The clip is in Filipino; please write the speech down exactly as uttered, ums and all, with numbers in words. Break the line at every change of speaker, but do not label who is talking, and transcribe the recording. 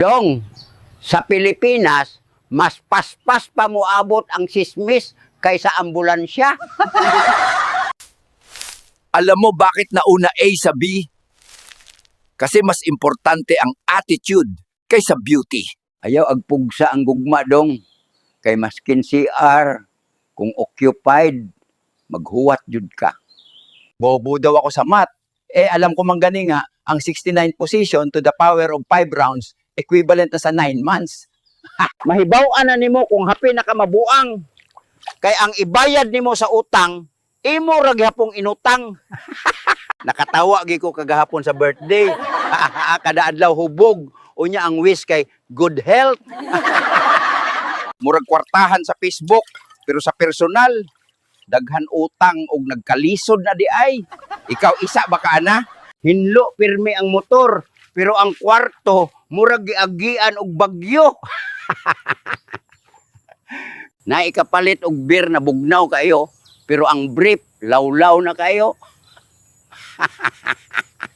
Dong, sa Pilipinas, mas paspas pa moabot ang sismis kaysa ambulansya.
Alam mo bakit nauna A sa B? Kasi mas importante ang attitude kaysa beauty.
Ayaw agpugsa ang gugma, dong. Kay maskin C R, kung occupied, maghuwat jud ka.
Bobo daw ako sa math. Eh, alam ko man gani nga, ang sixty-nine position to the power of five rounds, equivalent na sa nine months.
Mahibaw-an na nimo kung hapi na ka mabuang. Kay ang ibayad nimo sa utang, imo ra gyapong inutang. Nakatawa gi ko kagahapon sa birthday. Kada adlaw hubog. Unya ang wish kay good health.
Murag kwartahan sa Facebook, pero sa personal, daghan utang og nagkalisod na di ay. Ikaw isa baka ana?
Hinlo pirmi ang motor, pero ang kwarto murag giagian og bagyo. Na ikapalit og beer na bugnaw kayo, pero ang brief lawlaw na kayo.